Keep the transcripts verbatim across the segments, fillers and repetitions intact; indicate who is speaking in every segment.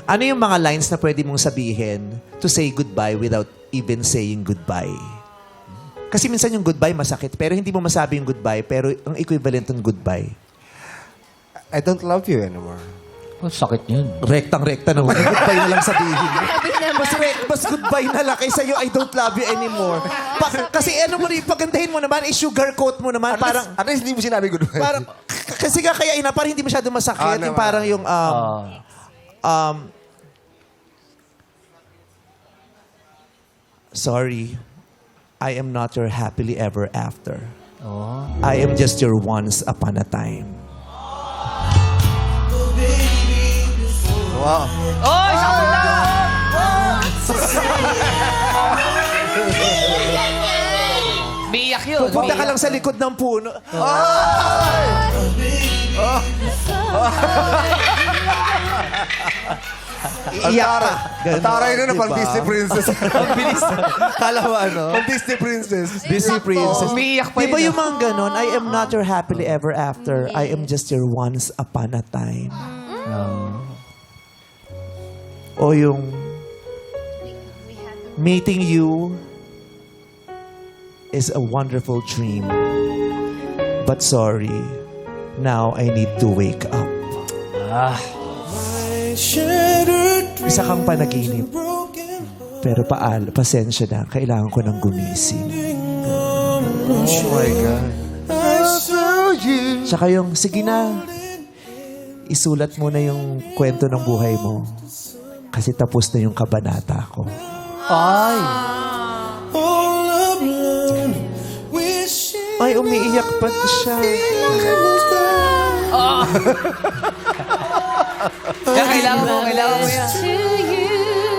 Speaker 1: Ano yung mga lines na pwede mong sabihin to say goodbye without even saying goodbye? Kasi minsan yung goodbye masakit, pero hindi mo masabi yung goodbye, pero ang equivalent ng goodbye.
Speaker 2: I don't love you anymore.
Speaker 3: Oh, sakit yun.
Speaker 1: Rektang-rekta na wala. Goodbye na lang sabihin. Mas, re- mas goodbye na lang kaysa yung I don't love you anymore. Pa- kasi ano mo rin, pagandahin mo naman, i-sugarcoat mo naman.
Speaker 2: At
Speaker 1: Parang,
Speaker 2: least, at least hindi mo sinabi goodbye.
Speaker 1: parang, k- kasi nga kaya ina, parang hindi masyado masakit.
Speaker 2: Ah,
Speaker 1: yung
Speaker 2: naman.
Speaker 1: parang yung, um,
Speaker 3: Ah.
Speaker 1: um, sorry, I am not your happily ever after.
Speaker 3: Oh.
Speaker 1: I am just your once upon a time.
Speaker 2: Wow.
Speaker 3: Oh, isang punta! Biyak yun.
Speaker 1: Pupunta ka lang sa likod ng puno. Iiyak ka.
Speaker 2: Ang taray na na, pang
Speaker 1: Diba?
Speaker 2: Disney princess.
Speaker 3: Ang bilis.
Speaker 1: Kala mo ano?
Speaker 2: Pang Disney princess.
Speaker 1: Disney princess.
Speaker 3: Umiiyak pa
Speaker 1: Di ba
Speaker 3: yun,
Speaker 1: yung mga ganon? I am not your happily ever after. I am just your once upon a time. O yung meeting you is a wonderful dream. But sorry, now I need to wake up.
Speaker 3: Ah.
Speaker 1: Isa kang panaginip. Pero paal, pasensya na. Kailangan ko ng gumising.
Speaker 2: Oh my God.
Speaker 1: Tsaka yung, sige na, isulat mo na yung kwento ng buhay mo. Kasi tapos na yung kabanata ko.
Speaker 3: Ay.
Speaker 1: Ay, umiiyak pa siya.
Speaker 3: Kaya kailangan mo, kailangan mo yan.
Speaker 4: To you,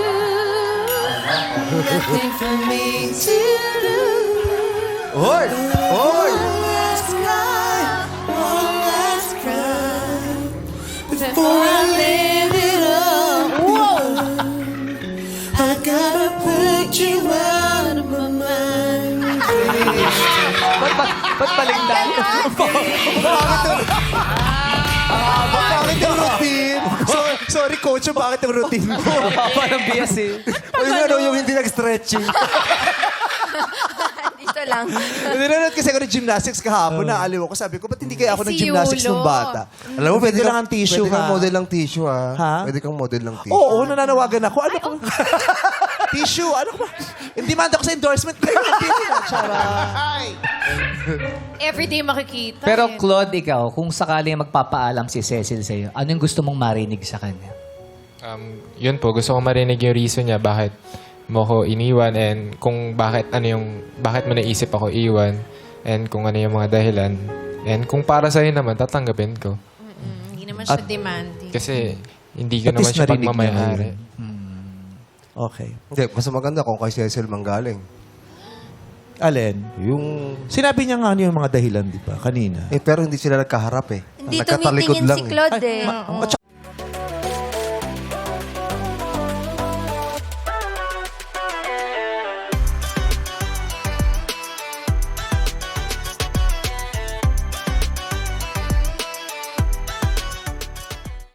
Speaker 4: nothing for me to do.
Speaker 2: Hoy! Hoy!
Speaker 4: Last cry, one last cry, before I let it up. Whoa! I gotta put you out of my mind.
Speaker 3: Ba't, ba't, ba't baligtad?
Speaker 1: Bakit yung routine? So, sorry, coach, bakit yung routine ko?
Speaker 3: Parang bias eh.
Speaker 2: O yung ano, yung hindi nag-stretching.
Speaker 4: Dito lang.
Speaker 1: Nanonood kasi ako ng gymnastics kahapon, naaliw ako. Sabi ko, ba't hindi kaya ako ng
Speaker 4: Si
Speaker 1: gymnastics
Speaker 4: Yulo.
Speaker 1: nung bata?
Speaker 2: Alam mo, pwede
Speaker 1: lang ang tissue,
Speaker 2: pwede kang
Speaker 1: ha?
Speaker 2: model ng tissue, ha?
Speaker 1: Ha?
Speaker 2: Pwede kang model ng tissue.
Speaker 1: Oo, nananawagan ako. Ano ko? Tissue, ano ko ba? Hindi man ako sa endorsement. Hindi na, Chara.
Speaker 4: Everyday makikita.
Speaker 3: Pero
Speaker 4: eh.
Speaker 3: Claude, ikaw, kung sakaling magpapaalam si Cecil sa'yo, ano yung gusto mong marinig sa kanya?
Speaker 5: Um, yun po, gusto ko marinig yung reason niya bakit mo ko iniwan and kung bakit ano yung bakit mo naisip ako iwan and kung ano yung mga dahilan and kung para sa'yo naman tatanggapin ko
Speaker 4: Mm, hindi naman siya demanding.
Speaker 5: kasi hindi ko
Speaker 1: At
Speaker 5: naman
Speaker 1: least
Speaker 5: siya
Speaker 1: narinig niya
Speaker 5: pagmamayari.
Speaker 1: Okay.
Speaker 2: Hindi, mas maganda kung kay Cecil manggaling.
Speaker 1: Alin?
Speaker 2: Yung...
Speaker 1: Sinabi niya nga ano yung mga dahilan, di ba? Kanina.
Speaker 2: Eh, pero hindi sila nagkaharap eh.
Speaker 6: Hindi
Speaker 2: Nagkatalikod
Speaker 6: tumitingin
Speaker 2: lang
Speaker 6: si
Speaker 2: eh.
Speaker 6: Claude eh.
Speaker 1: Ma-